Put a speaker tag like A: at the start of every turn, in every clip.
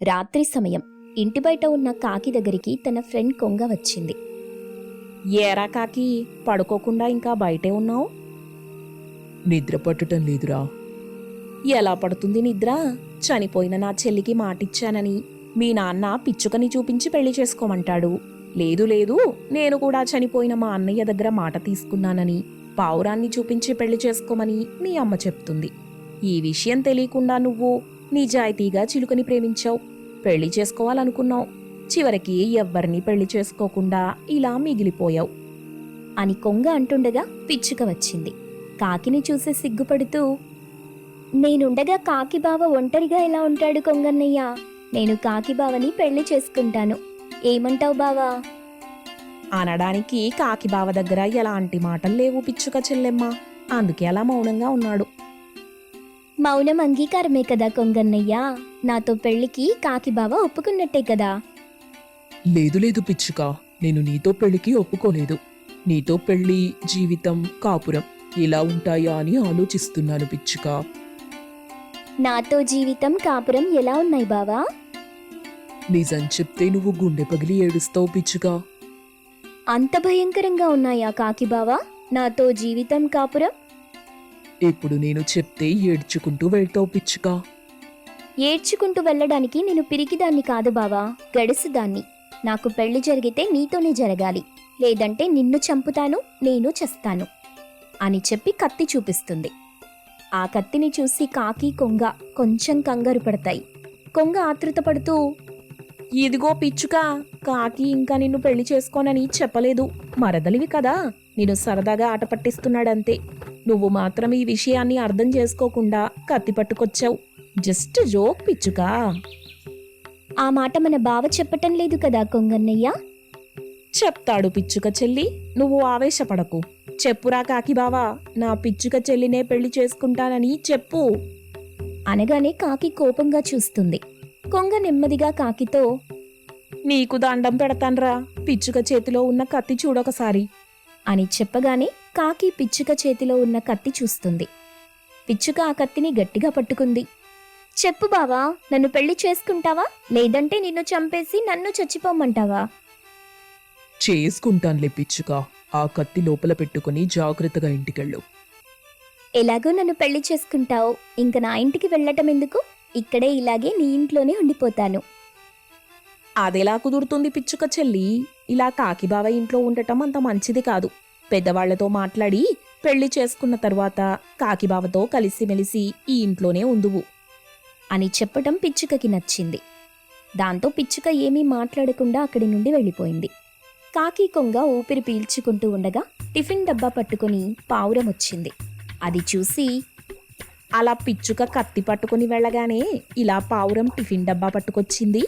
A: రాత్రి సమయం. ఇంటి బయట ఉన్న కాకి దగ్గరికి తన ఫ్రెండ్ కొంగ వచ్చింది.
B: ఏరా కాకి, పడుకోకుండా ఇంకా బయటే ఉన్నావు?
C: నిద్ర పట్టటం లేదురా.
B: ఎలా పడుతుంది నిద్ర? చనిపోయిన నా చెల్లికి మాటిచ్చానని మీ నాన్న పిచ్చుకని చూపించి పెళ్లి చేసుకోమంటాడు. లేదు లేదు, నేను కూడా చనిపోయిన మా అన్నయ్య దగ్గర మాట తీసుకున్నానని పావురాన్ని చూపించి పెళ్లి చేసుకోమని మీ అమ్మ చెప్తుంది. ఈ విషయం తెలియకుండా నువ్వు నిజాయితీగా చిలుకని ప్రేమించావు, పెళ్లి చేసుకోవాలనుకున్నావు. చివరికి ఎవ్వరినీ పెళ్లి చేసుకోకుండా ఇలా మిగిలిపోయావు
A: అని కొంగ అంటుండగా పిచ్చుక వచ్చింది. కాకిని చూసి సిగ్గుపడుతూ, నేనుండగా కాకి బావ ఒంటరిగా ఎలా ఉంటాడు కొంగన్నయ్య? నేను కాకి బావని పెళ్లి చేసుకుంటాను. ఏమంటావు బావా?
B: అనడానికి కాకి బావ దగ్గర ఎలాంటి మాటలు లేవు పిచ్చుక చెల్లెమ్మ. అందుకే అలా మౌనంగా ఉన్నాడు.
A: మౌనం అంగీకారమే కదా కొంగన్నయ్య. నాతో పెళ్లికి కాకి బావ ఒప్పుకున్నట్టే కదా.
C: లేదు లేదు పిచ్చుక, నేను నీతో పెళ్లికి ఒప్పుకోలేదు. నీతో పెళ్లి, జీవితం, కాపురం ఇలా ఉంటాయా అని ఆలోచిస్తున్నాను పిచ్చుక.
A: నాతో జీవితం, కాపురం ఎలా ఉన్నాయి బావా?
C: నిజం చెప్తే నువ్వు గుండె పగిలి ఏడుస్తావు పిచ్చుక.
A: అంత భయంకరంగా ఉన్నాయా కాకి బావా నాతో జీవితం, కాపురం?
C: ఇప్పుడు నేను చెప్తే ఏడ్చుకుంటూ వెళ్తావు పిచ్చుక.
A: ఏడ్చుకుంటూ వెళ్ళడానికి నేను పిరికిదాన్ని కాదు బావా, గడుసుదాన్ని. నాకు పెళ్లి జరిగితే నీతోనే జరగాలి, లేదంటే నిన్ను చంపుతాను, నేను చస్తాను అని చెప్పి కత్తి చూపిస్తుంది. ఆ కత్తిని చూసి కాకి, కొంగ కొంచెం కంగారు పడతాయి. కొంగ ఆతృత పడుతూ,
B: ఇదిగో పిచ్చుక, కాకి ఇంకా నిన్ను పెళ్లి చేసుకోనని చెప్పలేదు. మరదలివి కదా, నేను సరదాగా ఆట పట్టిస్తున్నాడంతే. నువ్వు మాత్రం ఈ విషయాన్ని అర్థం చేసుకోకుండా కత్తి పట్టుకొచ్చావు. Just joke పిచ్చుకా.
A: ఆ మాట మన బావ చెప్పటం లేదు కదా కొంగన్నయ్య.
B: చెప్తాడు పిచ్చుక చెల్లి, నువ్వు ఆవేశపడకు. చెప్పురా కాకి బావా, నా పిచ్చుక చెల్లినే పెళ్లి చేసుకుంటానని చెప్పు
A: అనగానే కాకి కోపంగా చూస్తుంది. కొంగ నెమ్మదిగా కాకితో,
B: నీకు దండం పెడతాన్రా, పిచ్చుక చేతిలో ఉన్న కత్తి చూడొకసారి
A: అని చెప్పగానే కాకి పిచ్చుక చేతిలో ఉన్న కత్తి చూస్తుంది. పిచ్చుక ఆ కత్తిని గట్టిగా పట్టుకుంది. చెప్పు బావా, నన్ను పెళ్లి చేసుకుంటావా, లేదంటే నిన్ను చంపేసి నన్ను చచ్చిపోమంటావా?
C: చేసుకుంటానులే పిచ్చుక. ఆ కత్తి లోపల పెట్టుకుని జాగ్రత్తగా ఇంటికెళ్ళు.
A: ఎలాగో నన్ను పెళ్లి చేసుకుంటావు, ఇంక నా ఇంటికి వెళ్ళటం ఎందుకు? ఇక్కడే ఇలాగే నీ ఇంట్లోనే ఉండిపోతాను.
B: అదెలా కుదురుతుంది పిచ్చుక చెల్లి? ఇలా కాకి బావ ఇంట్లో ఉండటం అంత మంచిది కాదు. పెద్దవాళ్లతో మాట్లాడి పెళ్లి చేసుకున్న తర్వాత కాకి బావతో కలిసిమెలిసి ఈ ఇంట్లోనే ఉందువు అని చెప్పటం పిచ్చుకకి నచ్చింది. దాంతో పిచ్చుక ఏమీ మాట్లాడకుండా అక్కడి నుండి వెళ్ళిపోయింది. కాకి, కొంగ ఊపిరి పీల్చుకుంటూ ఉండగా టిఫిన్ డబ్బా పట్టుకుని పావురం వచ్చింది. అది చూసి, అలా పిచ్చుక కత్తి పట్టుకుని వెళ్ళగానే ఇలా పావురం టిఫిన్ డబ్బా పట్టుకొచ్చింది.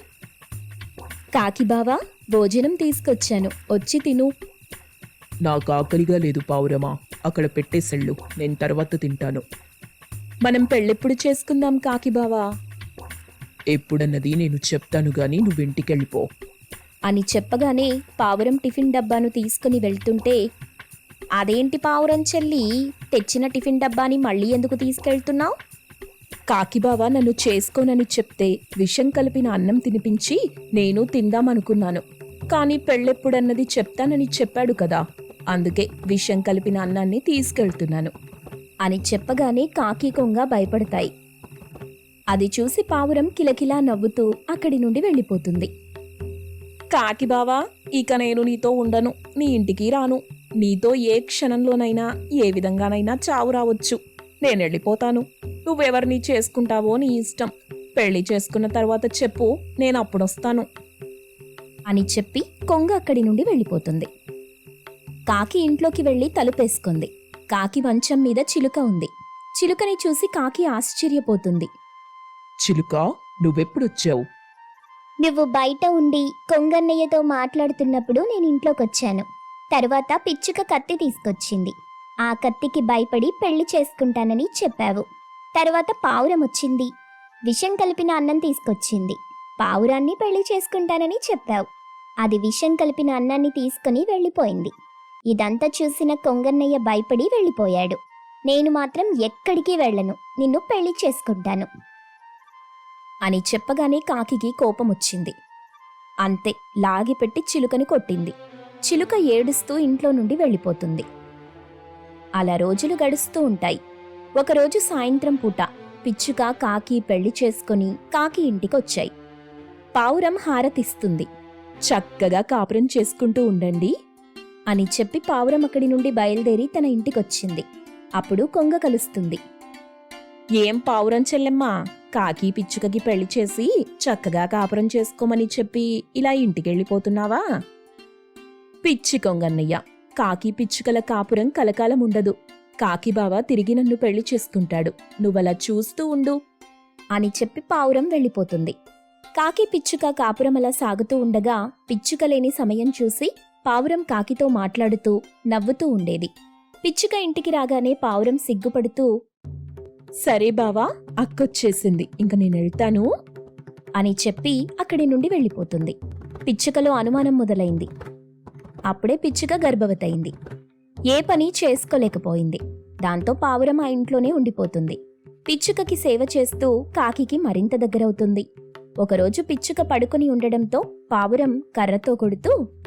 A: కాకి బావా, భోజనం తీసుకొచ్చాను, వచ్చి తిను.
C: నాకు ఆకలిగా లేదు పావురమా, అక్కడ పెట్టేసెళ్ళు, నేను తర్వాత తింటాను.
B: మనం పెళ్ళెప్పుడు చేసుకుందాం కాకి బావా?
C: ఎప్పుడన్నది నేను చెప్తాను గాని నువ్వింటికెళ్ళిపో
A: అని చెప్పగానే పావురం టిఫిన్ డబ్బాను తీసుకుని వెళ్తుంటే, అదేంటి పావురం చెల్లి, తెచ్చిన టిఫిన్ డబ్బాని మళ్ళీ ఎందుకు తీసుకెళ్తున్నావు?
B: కాకి బావ నన్ను చేసుకోనని చెప్తే విషం కలిపిన అన్నం తినిపించి నేను తిందామనుకున్నాను. కానీ పెళ్ళెప్పుడన్నది చెప్తానని చెప్పాడు కదా, అందుకే విషం కలిపిన అన్నాన్ని తీసుకెళ్తున్నాను
A: అని చెప్పగానే కాకి, కొంగ భయపడతాయి. అది చూసి పావురం కిలకిలా నవ్వుతూ అక్కడి నుండి వెళ్ళిపోతుంది.
B: కాకి బావా, ఇక నేను నీతో ఉండను, నీ ఇంటికి రాను. నీతో ఏ క్షణంలోనైనా ఏ విధంగానైనా చావు రావచ్చు. నేను వెళ్ళిపోతాను. నువ్వెవరిని చేసుకుంటావో నీ ఇష్టం. పెళ్లి చేసుకున్న తర్వాత చెప్పు, నేను అప్పుడొస్తాను
A: అని చెప్పి కొంగ అక్కడి నుండి వెళ్ళిపోతుంది. కాకి ఇంట్లోకి వెళ్ళి తలుపేసుకుంది. కాకి మంచం మీద చిలుక ఉంది. చిలుకని చూసి కాకి ఆశ్చర్యపోతుంది.
C: చిలుక, నువ్వెప్పుడొచ్చావు?
A: నువ్వు బయట ఉండి కొంగన్నయ్యతో మాట్లాడుతున్నప్పుడు నేను ఇంట్లోకొచ్చాను. తర్వాత పిచ్చుక కత్తి తీసుకొచ్చింది. ఆ కత్తికి భయపడి పెళ్లి చేసుకుంటానని చెప్పావు. తర్వాత పావురం వచ్చింది, విషం కలిపిన అన్నం తీసుకొచ్చింది. పావురాన్ని పెళ్లి చేసుకుంటానని చెప్పావు. అది విషం కలిపిన అన్నాన్ని తీసుకుని వెళ్ళిపోయింది. ఇదంతా చూసిన కొంగన్నయ్య భయపడి వెళ్ళిపోయాడు. నేను మాత్రం ఎక్కడికి వెళ్ళను, నిన్ను పెళ్లి చేసుకుంటాను
B: అని చెప్పగానే కాకికి కోపమొచ్చింది. అంతే, లాగిపెట్టి చిలుకని కొట్టింది. చిలుక ఏడుస్తూ ఇంట్లో నుండి వెళ్ళిపోతుంది. అలా రోజులు గడుస్తూ ఉంటాయి. ఒకరోజు సాయంత్రం పూట పిచ్చుక కాకి పెళ్లి చేసుకుని కాకి ఇంటికొచ్చాయి. పావురం హారతిస్తుంది. చక్కగా కాపురం చేసుకుంటూ ఉండండి అని చెప్పి పావురం అక్కడి నుండి బయలుదేరి తన ఇంటికొచ్చింది. అప్పుడు కొంగ కలుస్తుంది. ఏం పావురం చెల్లెమ్మా, కాకి పిచ్చుకకి పెళ్లి చేసి చక్కగా కాపురం చేసుకోమని చెప్పి ఇలా ఇంటికెళ్ళిపోతున్నావా? పిచ్చి కొంగన్నయ్య, కాకి పిచ్చుకల కాపురం కలకాలం ఉండదు. కాకి బావ తిరిగి నన్ను పెళ్లి చేసుకుంటాడు, నువ్వలా చూస్తూ ఉండు అని చెప్పి పావురం వెళ్ళిపోతుంది. కాకి పిచ్చుక కాపురం అలా సాగుతూ ఉండగా పిచ్చుక లేని సమయం చూసి పావురం కాకితో మాట్లాడుతూ నవ్వుతూ ఉండేది. పిచ్చుక ఇంటికి రాగానే పావురం సిగ్గుపడుతూ, సరే బావా, అక్కొచ్చేసింది, ఇంక నేనెళ్తాను అని చెప్పి అక్కడి నుండి వెళ్ళిపోతుంది. పిచ్చుకలో అనుమానం మొదలైంది. అప్పుడే పిచ్చుక గర్భవతయింది. ఏ పని చేసుకోలేకపోయింది. దాంతో పావురం ఆ ఇంట్లోనే ఉండిపోతుంది. పిచ్చుకకి సేవ చేస్తూ కాకికి మరింత దగ్గరవుతుంది. ఒకరోజు పిచ్చుక పడుకుని ఉండడంతో పావురం కర్రతో కొడుతూ,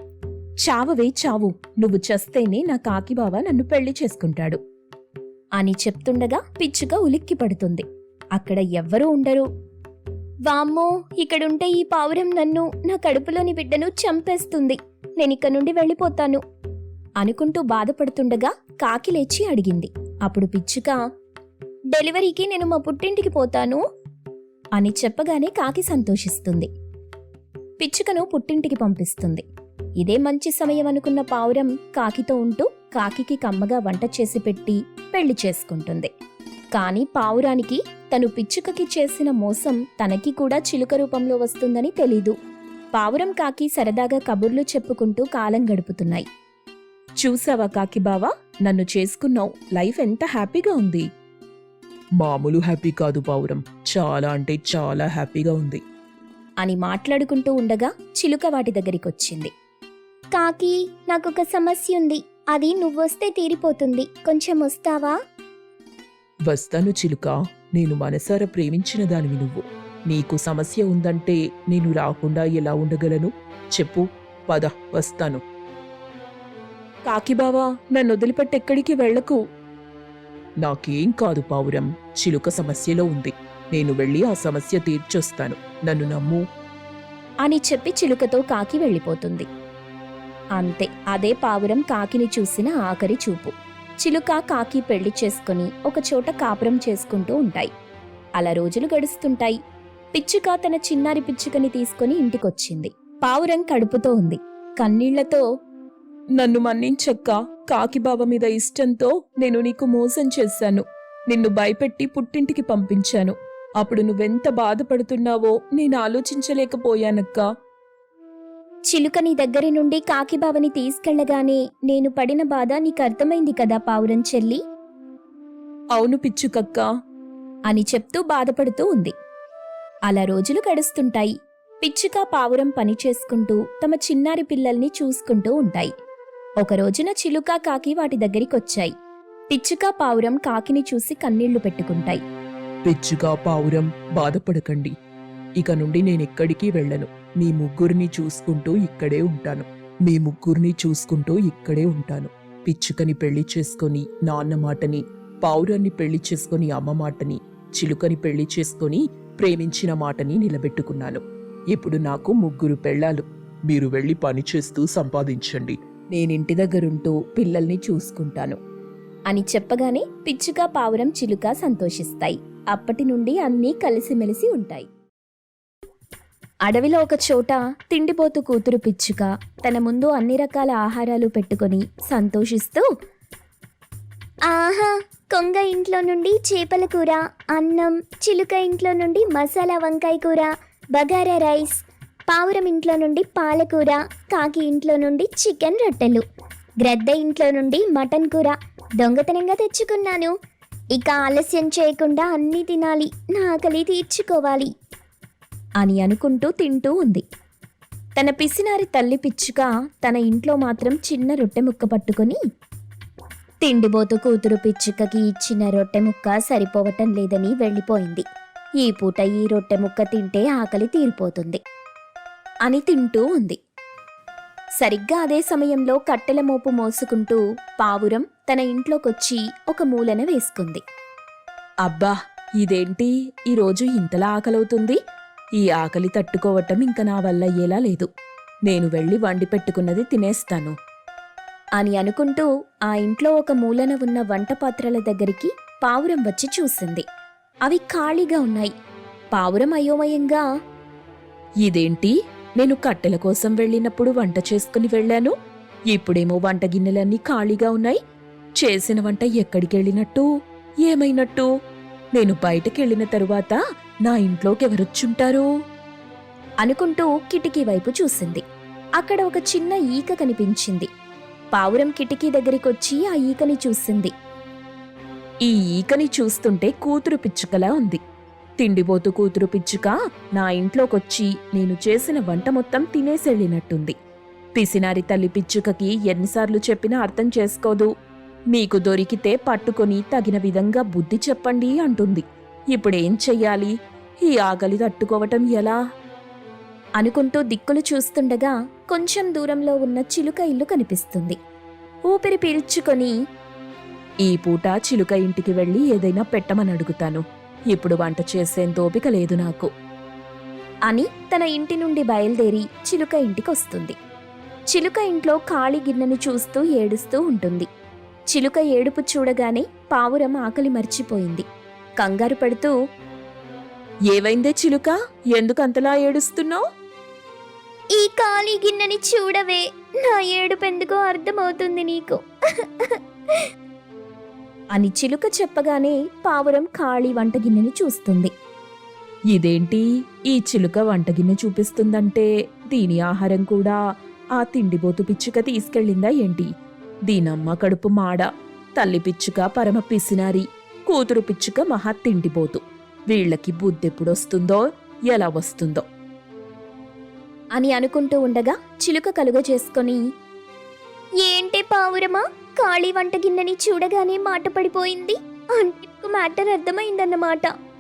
B: చావవే చావు, నువ్వు చస్తేనే నా కాకి బావ నన్ను పెళ్లి చేసుకుంటాడు అని చెప్తుండగా పిచ్చుక ఉలిక్కి పడుతుంది. అక్కడ ఎవ్వరూ ఉండరు. వామ్మో, ఇక్కడుంటే ఈ పావురం నన్ను, నా కడుపులోని బిడ్డను చంపేస్తుంది, నేనిక్క నుండి వెళ్ళిపోతాను అనుకుంటూ బాధపడుతుండగా కాకి లేచి అడిగింది. అప్పుడు పిచ్చుక, డెలివరీకి నేను మా పుట్టింటికి పోతాను అని చెప్పగానే కాకి సంతోషిస్తుంది. పిచ్చుకను పుట్టింటికి పంపిస్తుంది. ఇదే మంచి సమయం అనుకున్న పావురం కాకితో ఉంటూ కాకికి కమ్మగా వంట చేసి పెట్టి పెళ్లి చేసుకుంటుంది. కాని పావురానికి తను పిచ్చుకకి చేసిన మోసం తనకి కూడా చిలుక రూపంలో వస్తుందని తెలీదు. పావురం కాకి సరదాగా కబుర్లు చెప్పుకుంటూ కాలం గడుపుతున్నాయి. చూసావా కాకి బావా, నన్ను చేసుకున్నావు, లైఫ్ ఎంత హ్యాపీగా ఉంది.
C: మామూలు హ్యాపీ కాదు పావురం, చాలా అంటే చాలా హ్యాపీగా ఉంది
B: అని మాట్లాడుకుంటూ ఉండగా చిలుక వాటి దగ్గరికొచ్చింది.
A: కాకి, నాకొక సమస్య ఉంది, అది నువ్వొస్తే తీరిపోతుంది, కొంచెం వస్తావా?
C: వస్తాను చిలుక, నేను మనసారా ప్రేమించిన దానివి నువ్వు. నీకు సమస్య ఉందంటే నేను రాకుండా ఎలా ఉండగలను చెప్పు, పద వస్తాను.
B: కాకి బావా, నన్ను వదిలిపెట్టి ఎక్కడికి వెళ్లకు.
C: నాకేం కాదు పావురం, చిలుక సమస్యలో ఉంది, నేను వెళ్ళి ఆ సమస్య తీర్చొస్తాను, నన్ను నమ్ము
B: అని చెప్పి చిలుకతో కాకి వెళ్ళిపోతుంది. అంతే, అదే పావురం కాకిని చూసిన ఆఖరి చూపు. చిలుక కాకి పెళ్లి చేసుకుని ఒకచోట కాపురం చేసుకుంటూ ఉంటాయి. అలా రోజులు గడుస్తుంటాయి. పిచ్చుక తన చిన్నారి పిచ్చుకని తీసుకుని ఇంటికొచ్చింది. పావురం కడుపుతో ఉంది. కన్నీళ్లతో, నన్ను మన్నించక్క, కాకి బావ మీద ఇష్టంతో నేను నీకు మోసం చేశాను, నిన్ను భయపెట్టి పుట్టింటికి పంపించాను. అప్పుడు నువ్వెంత బాధపడుతున్నావో నేను ఆలోచించలేకపోయానక్కా.
A: చిలుక నీ దగ్గరి నుండి కాకిబావని తీసుకెళ్లగానే నేను పడిన బాధ నీకు అర్థమైంది కదా పావురం చెల్లి?
B: అవును పిచ్చుకక్క అని చెప్తూ బాధపడుతూ ఉంది. అలా రోజులు గడుస్తుంటాయి. పిచ్చుక పావురం పని చేసుకుంటూ తమ చిన్నారి పిల్లల్ని చూసుకుంటూ ఉంటాయి. ఒక రోజున చిలుక కాకి వాటి దగ్గరికొచ్చాయి. పిచ్చుక పావురం కాకిని చూసి కన్నీళ్లు పెట్టుకుంటాయి.
C: పిచ్చుక పావురం బాధపడకండి, ఇక నుండి నేనెక్కడికి వెళ్ళను, మీ ముగ్గురిని చూసుకుంటూ ఇక్కడే ఉంటాను, మీ ముగ్గురిని చూసుకుంటూ ఇక్కడే ఉంటాను. పిచ్చుకని పెళ్లి చేసుకొని నాన్న మాటని, పావురాన్ని పెళ్లి చేసుకొని అమ్మ మాటని, చిలుకని పెళ్లి చేసుకొని ప్రేమించిన మాటని నిలబెట్టుకున్నాను. ఇప్పుడు నాకు 3 పెళ్ళాలు, మీరు వెళ్ళి పని చేస్తూ సంపాదించండి,
B: నేనింటి దగ్గరుంటూ పిల్లల్ని చూసుకుంటాను అని చెప్పగానే పిచ్చుక పావురం చిలుక సంతోషిస్తాయి. అప్పటి నుండి అన్నీ కలిసిమెలిసి ఉంటాయి. అడవిలో ఒక చోట తిండిపోతు కూతురు పిచ్చుక తన ముందు అన్ని రకాల ఆహారాలు పెట్టుకొని సంతోషిస్తూ,
A: ఆహా, కొంగ ఇంట్లో నుండి చేపల కూర, అన్నం, చిలుక ఇంట్లో నుండి మసాలా వంకాయ కూర, బగారా రైస్, పావురం ఇంట్లో నుండి పాలకూర, కాకి ఇంట్లో నుండి చికెన్ రొట్టెలు, గ్రద్ద ఇంట్లో నుండి మటన్ కూర దొంగతనంగా తెచ్చుకున్నాను. ఇక ఆలస్యం చేయకుండా అన్నీ తినాలి, నా ఆకలి తీర్చుకోవాలి
B: అని అనుకుంటూ తింటూ ఉంది. తన పిసినారి తల్లి పిచ్చుక తన ఇంట్లో మాత్రం చిన్న రొట్టె ముక్క పట్టుకొని, తిండిబోతు కూతురు పిచ్చుకకి ఇచ్చిన రొట్టె ముక్క సరిపోవటం లేదని వెళ్ళిపోయింది.
A: ఈ పూట ఈ రొట్టె ముక్క తింటే ఆకలి తీరిపోతుంది అని తింటూ ఉంది. సరిగ్గా అదే సమయంలో కట్టెల మోపు మోసుకుంటూ పావురం తన ఇంట్లోకొచ్చి ఒక మూలన వేసుకుంది.
B: అబ్బా, ఇదేంటి ఈరోజు ఇంతలా ఆకలవుతుంది? ఈ ఆకలి తట్టుకోవటం ఇంక నా వల్ల అయ్యేలా లేదు. నేను వెళ్ళి వండి పెట్టుకున్నది తినేస్తాను
A: అని అనుకుంటూ ఆ ఇంట్లో ఒక మూలన ఉన్న వంట పాత్రల దగ్గరికి పావురం వచ్చి చూసింది. అవి ఖాళీగా ఉన్నాయి. పావురం అయోమయంగా,
B: ఇదేంటి, నేను కట్టెల కోసం వెళ్ళినప్పుడు వంట చేసుకుని వెళ్ళాను, ఇప్పుడేమో వంట గిన్నెలన్నీ ఖాళీగా ఉన్నాయి. చేసిన వంట ఎక్కడికెళ్ళినట్టు, ఏమైనట్టు? నేను బయటకెళ్ళిన తరువాత నా ఇంట్లోకి ఎవరొచ్చుంటారు
A: అనుకుంటూ కిటికీ వైపు చూసింది. అక్కడ ఒక చిన్న ఈక కనిపించింది. పావురం కిటికీ దగ్గరికొచ్చి ఆ ఈకని చూసింది.
B: ఈ ఈకని చూస్తుంటే కూతురు పిచ్చుకలా ఉంది. తిండిపోతు కూతురు పిచ్చుక నా ఇంట్లోకొచ్చి నేను చేసిన వంట మొత్తం తినేసెళ్ళినట్టుంది. పిసినారి తల్లి పిచ్చుకకి ఎన్నిసార్లు చెప్పినా అర్థం చేసుకోదు. మీకు దొరికితే పట్టుకొని తగిన విధంగా బుద్ధి చెప్పండి అంటుంది. ఇప్పుడేం చెయ్యాలి? ఈ ఆకలి తట్టుకోవటం ఎలా
A: అనుకుంటూ దిక్కులు చూస్తుండగా కొంచెం దూరంలో ఉన్న చిలుక ఇల్లు కనిపిస్తుంది. ఊపిరి పీల్చుకొని,
B: ఈ పూట చిలుక ఇంటికి వెళ్ళి ఏదైనా పెట్టమని అడుగుతాను. ఇప్పుడు వంట చేసేంత ఓపిక లేదు నాకు
A: అని తన ఇంటి నుండి బయలుదేరి చిలుక ఇంటికొస్తుంది. చిలుక ఇంట్లో ఖాళీ గిన్నెను చూస్తూ ఏడుస్తూ ఉంటుంది. చిలుక ఏడుపు చూడగానే పావురం ఆకలి మర్చిపోయింది. కంగారు పడుతూ,
B: ఏవైందే చిలుక, ఎందుకంతలా ఏడుస్తున్నావు?
A: ఈ ఖాళీ గిన్నెని చూడవే, నా ఏడుపెందుకో అర్థమవుతుంది నీకు అని చిలుక చెప్పగానే పావురం ఖాళీ వంట గిన్నెని చూస్తుంది.
B: ఇదేంటి, ఈ చిలుక వంటగిన్నె చూపిస్తుందంటే దీని ఆహారం కూడా ఆ తిండిబోతు పిచ్చుక తీసుకెళ్ళిందా ఏంటి? దీనమ్మ కడుపు మాడ, తల్లి పిచ్చుక పరమ పిసినారి, కూతురు పిచ్చుక మహా తిండిపోతు. వీళ్లకి బుద్ధెప్పుడొస్తుందో, ఎలా వస్తుందో
A: అని అనుకుంటూ ఉండగా చిలుక కలుగ చేసుకొని, ఏంటే పావురమా, ఖాళీ వంట గిన్నెని చూడగానే మాట పడిపోయింది అంటే మ్యాటర్ అర్థమైందన్నమాట.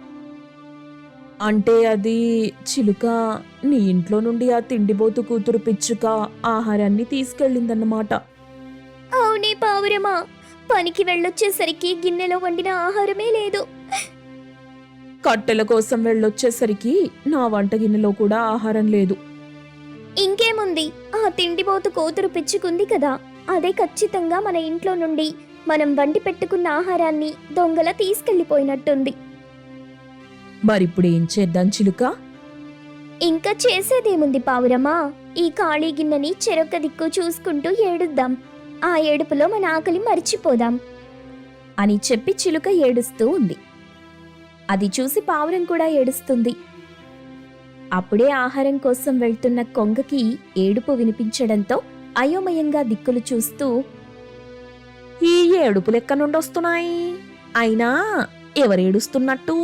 B: అంటే అది చిలుక, నీ ఇంట్లో నుండి ఆ తిండిబోతు కూతురు పిచ్చుక ఆహారాన్ని తీసుకెళ్ళిందన్నమాట.
A: అవునే పావురమా, పనికి వెళ్ళొచ్చేసరికి గిన్నెలో వండిన ఆహారమే లేదు.
B: కట్టెల కోసం వెళ్ళొచ్చేసరికి నా వంట గిన్నెలో కూడా ఆహారం లేదు.
A: ఇంకేముంది, ఆ తిండిపోతు కూతురు పిచ్చుకుంది కదా, అదే ఖచ్చితంగా మన ఇంట్లో నుండి మనం వండి పెట్టుకున్న ఆహారాన్ని దొంగల తీసుకెళ్లిపోయినట్టుంది.
B: మరిప్పుడు ఏం చేద్దాం చిలుక?
A: ఇంకా చేసేదేముంది పావురమా, ఈ ఖాళీ గిన్నెని చెరొక్క దిక్కు చూసుకుంటూ ఏడుద్దాం. ఆ ఏడుపులో మన ఆకలి మర్చిపోదాం అని చెప్పి చిలుక ఏడుస్తూ ఉంది. అది చూసి పావురం కూడా ఏడుస్తుంది. అప్పుడే ఆహారం కోసం వెళ్తున్న కొంగకి ఏడుపు వినిపించడంతో అయోమయంగా దిక్కులు చూస్తూ,
B: ఈ ఏడుపులెక్క నుండొస్తున్నాయి, అయినా ఎవరేడుస్తున్నట్టు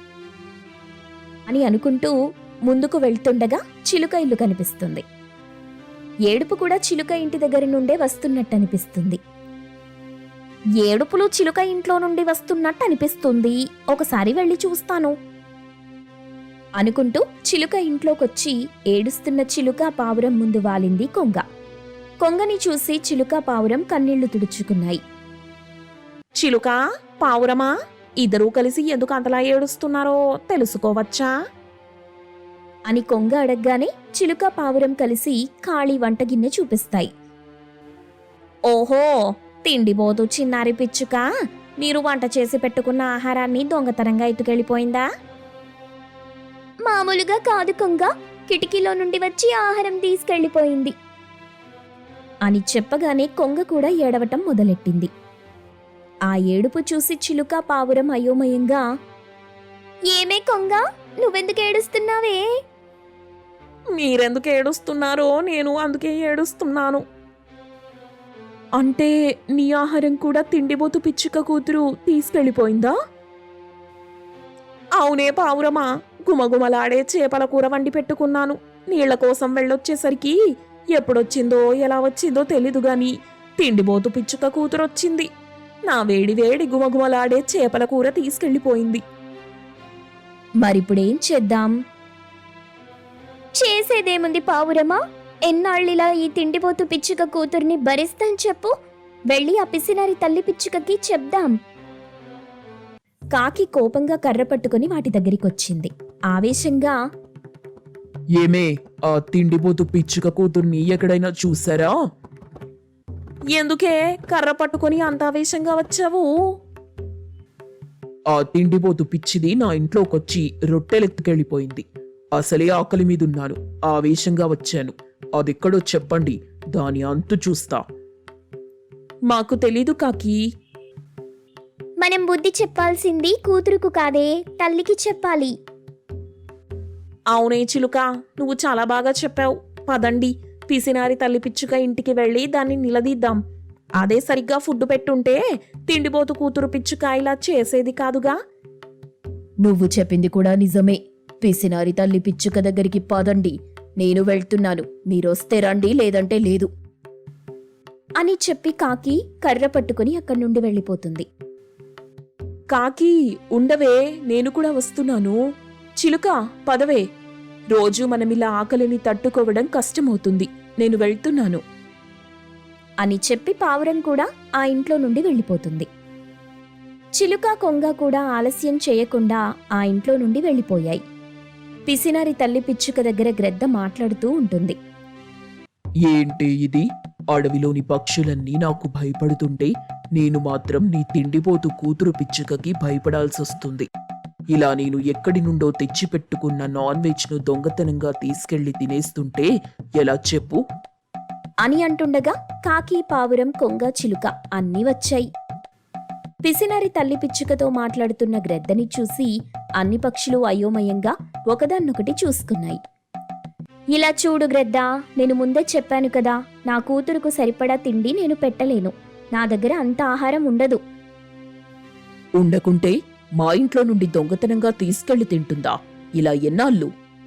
A: అని అనుకుంటూ ముందుకు వెళ్తుండగా చిలుక ఇల్లు కనిపిస్తుంది. ఏడుపు కూడా చిలుక ఇంటి దగ్గర నుండే వస్తున్నట్టు అనిపిస్తుంది. ఏడుపులు చిలుక ఇంట్లో నుండి వస్తున్నట్టు అనిపిస్తుంది, ఒకసారి వెళ్ళి చూస్తాను అనుకుంటూ చిలుక ఇంట్లోకొచ్చి ఏడుస్తున్న చిలుక పావురం ముందు వాలింది కొంగ. కొంగని చూసి చిలుక పావురం కన్నీళ్లు తుడుచుకున్నాయి.
B: చిలుక, పావురమా, ఇద్దరూ కలిసి ఎందుకు అంతలా ఏడుస్తున్నారో తెలుసుకోవచ్చా
A: అని కొంగ అడగగానే చిలుక పావురం కలిసి ఖాళీ వంటగిన్నె చూపిస్తాయి.
B: ఓహో, తిండిబోతు చిన్నారి పిచ్చుక, మీరు వంట చేసి పెట్టుకున్న ఆహారాన్ని దొంగతనంగా ఎత్తుకెళ్ళిపోయిందా?
A: మామూలుగా కాదు కొంగ, కిటికీలో నుండి వచ్చి ఆహారం తీసుకెళ్లిపోయింది అని చెప్పగానే కొంగ కూడా ఏడవటం మొదలెట్టింది. ఆ ఏడుపు చూసి చిలుక పావురం అయోమయంగా, ఏమే కొంగ, నువ్వెందుకు ఏడుస్తున్నావే?
B: మీరెందుకు ఏడుస్తున్నారో నేను అందుకే ఏడుస్తున్నాను. అంటే నీ ఆహారం కూడా తిండిబోతు పిచ్చుక కూతురు తీసుకెళ్ళిపోయిందా? అవునే పావురమా, గుమగుమలాడే చేపల కూర వండి పెట్టుకున్నాను. నీళ్ల కోసం వెళ్ళొచ్చేసరికి ఎప్పుడొచ్చిందో ఎలా వచ్చిందో తెలీదు గాని తిండిబోతు పిచ్చుక కూతురొచ్చింది. నా వేడి వేడి గుమగుమలాడే చేపల కూర తీసుకెళ్ళిపోయింది మరిప్పుడేం చేద్దాం?
A: చేసేదేముంది పావురమా? ఎన్నాళ్ళిలా ఈ తిండిపోతు పిచ్చుక కూతుర్ని భరిస్తాం చెప్పు. వెళ్ళి ఆ పిసినారి తల్లి పిచ్చుకకి చెప్దాం.
B: కాకి కోపంగా కర్ర పట్టుకుని వాటి దగ్గరికొచ్చింది. ఆవేశంగా,
C: ఏమే, ఆ తిండిపోతు పిచ్చుక కూతుర్ని ఎక్కడైనా చూసారా?
B: ఎందుకే కర్ర పట్టుకొని అంత ఆవేశంగా వచ్చావు?
C: ఆ తిండిపోతు పిచ్చిది నా ఇంట్లోకొచ్చి రొట్టెలెత్తుకెళ్ళిపోయింది. అసలే ఆకలి మీదున్నాను, ఆవేశంగా వచ్చాను. అదెక్కడో చెప్పండి, దాని అంతు చూస్తా.
B: మాకు తెలీదు కాకి.
A: మనం బుద్ధి చెప్పాల్సింది కూతురుకు కాదే, తల్లికి చెప్పాలి.
B: అవునే చిలుక, నువ్వు చాలా బాగా చెప్పావు. పదండి, పిసినారి తల్లి పిచ్చుక ఇంటికి వెళ్ళి దాన్ని నిలదీద్దాం. అదే సరిగ్గా ఫుడ్ పెట్టుంటే తిండిపోతు కూతురు పిచ్చుక ఇలా చేసేది కాదుగా.
D: నువ్వు చెప్పింది కూడా నిజమే. పిసినారి తల్లి పిచ్చుక దగ్గరికి పదండి, నేను వెళ్తున్నాను. మీరొస్తే రండి, లేదంటే లేదు
B: అని చెప్పి కాకి కర్ర పట్టుకుని అక్కడి నుండి వెళ్ళిపోతుంది. కాకి, ఉండవే, నేను కూడా వస్తున్నాను. చిలుక, పదవే. రోజు మనమిలా ఆకలిని తట్టుకోవడం కష్టమవుతుంది. నేను వెళ్తున్నాను అని చెప్పి పావురం కూడా ఆ ఇంట్లో నుండి వెళ్ళిపోతుంది. చిలుక, కొంగ కూడా ఆలస్యం చేయకుండా ఆ ఇంట్లో నుండి వెళ్ళిపోయాయి. పిసినారి తల్లి పిచ్చుక దగ్గర గ్రద్ద మాట్లాడుతూ ఉంటుంది.
C: ఏంటి ఇది? అడవిలోని పక్షులన్నీ నాకు భయపడుతుంటే నేను మాత్రం నీ తిండిపోతు కూతురు పిచ్చుకకి భయపడాల్సొస్తుంది. ఇలా నేను ఎక్కడి నుండో తెచ్చిపెట్టుకున్న నాన్ వెజ్ను దొంగతనంగా తీసుకెళ్లి తినేస్తుంటే ఎలా చెప్పు?
B: అని అంటుండగా కాకి, పావురం, కొంగ, చిలుక అన్నీ వచ్చాయి. పిసినారి తల్లి పిచ్చుకతో మాట్లాడుతున్న గ్రద్దని చూసి అన్ని పక్షులు అయోమయంగా ఒకదాన్నొకటి చూసుకున్నాయి. ఇలా చూడు గ్రద్దా, నేను ముందే చెప్పాను కదా, నా కూతురుకు సరిపడా తిండి నేను పెట్టలేను. నా దగ్గర అంత ఆహారం ఉండదు.
C: ఉండకుంటే మా ఇంట్లో నుండి దొంగతనంగా తీసుకెళ్లి తింటుందా? ఇలా ఎన్నాళ్ళు?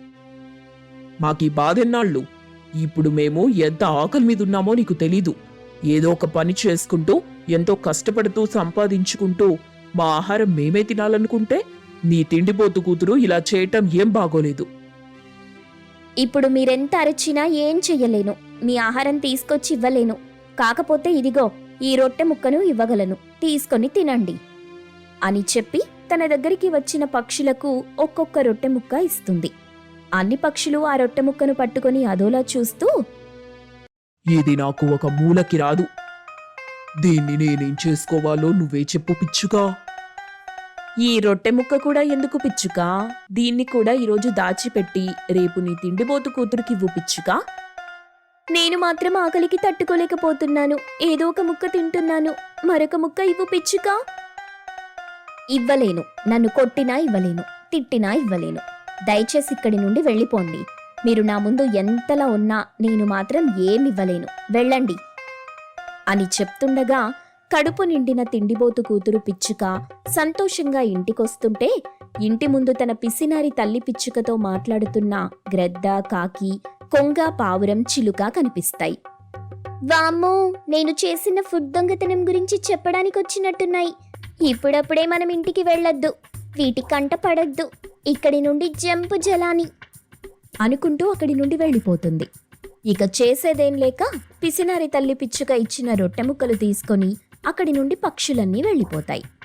C: మాకీ బాధెన్నాళ్ళు? ఇప్పుడు మేము ఎంత ఆకలి మీదున్నామో నీకు తెలీదు. ఏదో ఒక పని చేసుకుంటూ ఎంతో కష్టపడుతూ సంపాదించుకుంటూ మా ఆహారం మేమే తినాలనుకుంటే నీ తిండిపోతు కూతురు ఇలా చేయటం ఏం బాగోలేదు.
A: ఇప్పుడు మీరెంత అరచినా ఏం చెయ్యలేను. మీ ఆహారం తీసుకొచ్చి ఇవ్వలేను. కాకపోతే ఇదిగో ఈ రొట్టె ముక్కను ఇవ్వగలను, తీసుకొని తినండి అని చెప్పి తన దగ్గరికి వచ్చిన పక్షులకు ఒక్కొక్క రొట్టె ముక్క ఇస్తుంది. అన్ని పక్షులు ఆ రొట్టె ముక్కను పట్టుకొని అదోలా చూస్తూ,
C: ఇది నాకు ఒక మూలకి రాదు. దీన్ని నేనేం చేసుకోవాలో నువ్వే చెప్పు పిచ్చుకా.
B: ఈ రొట్టె ముక్క కూడా ఎందుకు పిచ్చుకా? దీన్ని కూడా ఈరోజు దాచిపెట్టి రేపు నీ తిండిపోతు కూతురుకివ్వు పిచ్చుకా.
A: నేను మాత్రం ఆకలికి తట్టుకోలేకపోతున్నాను. ఏదో ఒక ముక్క తింటున్నాను. మరొక ముక్క ఇవ్వు పిచ్చుకా. ఇవ్వలేను. నన్ను కొట్టినా ఇవ్వలేను, తిట్టినా ఇవ్వలేను. దయచేసి ఇక్కడి నుండి వెళ్ళిపోండి. మీరు నా ముందు ఎంతలా ఉన్నా నేను మాత్రం ఏమివ్వలేను. వెళ్ళండి అని చెప్తుండగా కడుపు నిండిన తిండిబోతు కూతురు పిచ్చుక సంతోషంగా ఇంటికొస్తుంటే ఇంటి ముందు తన పిసినారి తల్లి పిచ్చుకతో మాట్లాడుతున్న గ్రద్ద, కాకి, కొంగ, పావురం, చిలుక కనిపిస్తాయి. వామ్మో, నేను చేసిన ఫుడ్ దొంగతనం గురించి చెప్పడానికి వచ్చినట్టున్నాయి. ఇప్పుడప్పుడే మనం ఇంటికి వెళ్ళొద్దు. వీటి కంట పడద్దు. ఇక్కడి నుండి జంపు జలాని అనుకుంటూ అక్కడి నుండి వెళ్ళిపోతుంది. ఇక చేసేదేం లేక పిసినారి తల్లి పిచ్చుక ఇచ్చిన రొట్టె ముక్కలు తీసుకొని అక్కడి నుండి పక్షులన్నీ వెళ్ళిపోతాయి.